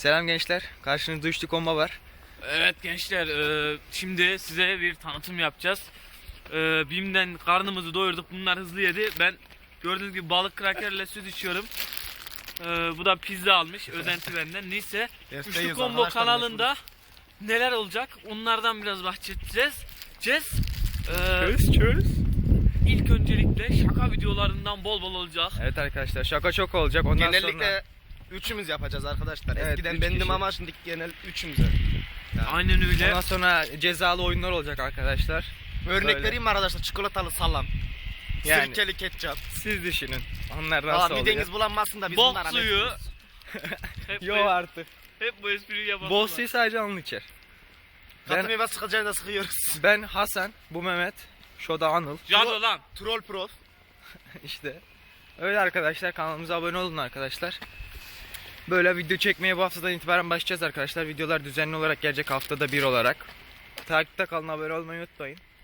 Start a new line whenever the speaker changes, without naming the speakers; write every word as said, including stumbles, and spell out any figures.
Selam gençler. Karşınızda üçlü komba var.
Evet gençler, e, şimdi size bir tanıtım yapacağız. E, Bim'den karnımızı doyurduk. Bunlar hızlı yedi. Ben gördüğünüz gibi balık krakerle süt içiyorum. E, bu da pizza almış. Özenti benden. Neyse. Üçlü Combo kanalında neler olacak? Onlardan biraz bahsedeceğiz. Cez. E,
Çöz çöz.
İlk öncelikle şaka videolarından bol bol olacak.
Evet arkadaşlar, şaka çok olacak. Ondan
Genellikle
sonra
üçümüz yapacağız arkadaşlar.
Evet,
Eskiden
üç
bendim
kişi.
ama şimdi genel üçümüze. Yani.
Aynen öyle.
ondan sonra cezalı oyunlar olacak arkadaşlar.
Örnek
Böyle.
vereyim mi arkadaşlar? Çikolatalı salam.
Yani.
Sirkeli ketçap.
Siz düşünün. Onlar
Valla
nasıl olacak?
mideniz bulanmasın da biz
Bok
bunlara
suyu.
mecburuz.
Hep,
Yo
bu,
artık.
hep bu espriyi yapalım.
Bol suyu sadece alın içer.
Katı
Ben,
meyve sıkacağını da sıkıyoruz.
ben Hasan, bu Mehmet, şu da Anıl.
Cado lan.
Troll prof.
İşte. Öyle arkadaşlar, kanalımıza abone olun arkadaşlar. Böyle video çekmeye bu haftadan itibaren başlayacağız arkadaşlar. Videolar düzenli olarak gelecek, haftada bir olarak. Takipte kalın, abone olmayı unutmayın.